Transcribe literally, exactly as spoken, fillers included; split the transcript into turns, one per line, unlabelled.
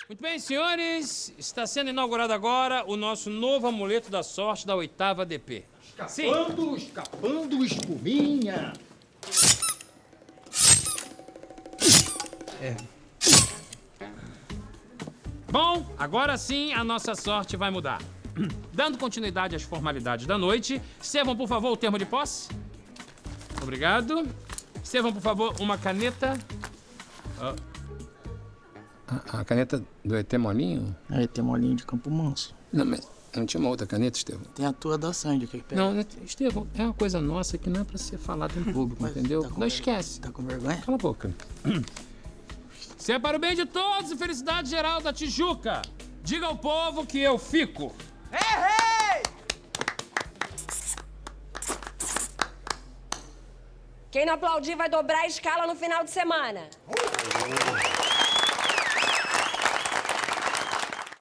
Muito bem, senhores, está sendo inaugurado agora o nosso novo amuleto da sorte da oitava D P.
Escapando, escapando, espuminha.
É. Bom, agora sim a nossa sorte vai mudar. Dando continuidade às formalidades da noite, servam, por favor, o termo de posse. Obrigado. Servam, por favor, uma caneta. Oh.
A, a caneta do E T Molinho?
É, tem molinho de Campo Manso.
Não, mas não tinha uma outra caneta, Estevão?
Tem a tua da Sandy, que pega.
Não, Estevão, é uma coisa nossa que não é pra ser falada em público,
Mas
entendeu?
tá com
Não
ver-
esquece.
Tá com vergonha?
Cala a boca.
Se é para o bem de todos e felicidade geral da Tijuca, diga ao povo que eu fico.
Quem não aplaudir vai dobrar a escala no final de semana.